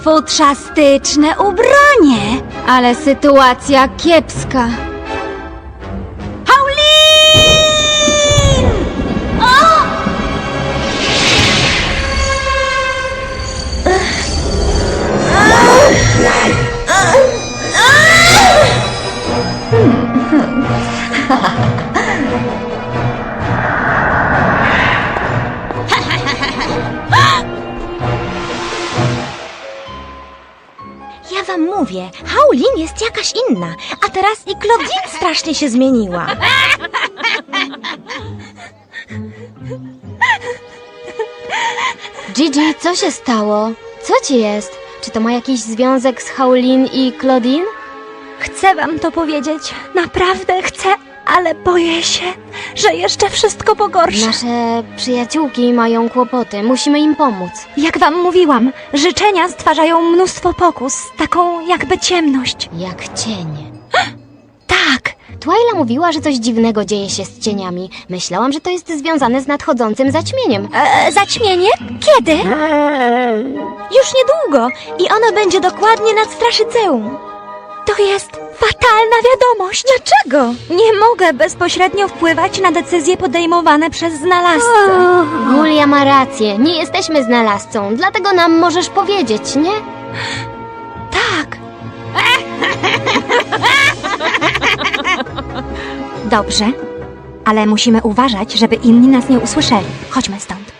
Futrzastyczne ubranie! Ale sytuacja kiepska. Paulin! O! Ja wam mówię, Haulin jest jakaś inna, a teraz i Claudine strasznie się zmieniła. Gigi, co się stało? Co ci jest? Czy to ma jakiś związek z Haulin i Claudine? Chcę wam to powiedzieć, naprawdę chcę, ale boję się, że jeszcze wszystko pogorszy. Nasze przyjaciółki mają kłopoty, musimy im pomóc. Jak wam mówiłam, życzenia stwarzają mnóstwo pokus, taką jakby ciemność. Jak cień. Tak, Twyla mówiła, że coś dziwnego dzieje się z cieniami. Myślałam, że to jest związane z nadchodzącym zaćmieniem. zaćmienie? Kiedy? Już niedługo i ono będzie dokładnie nad Straszyceum. To jest fatalna wiadomość. Dlaczego? Nie mogę bezpośrednio wpływać na decyzje podejmowane przez znalazcę. Julia ma rację, nie jesteśmy znalazcą, dlatego nam możesz powiedzieć, nie? Tak. Dobrze, ale musimy uważać, żeby inni nas nie usłyszeli. Chodźmy stąd.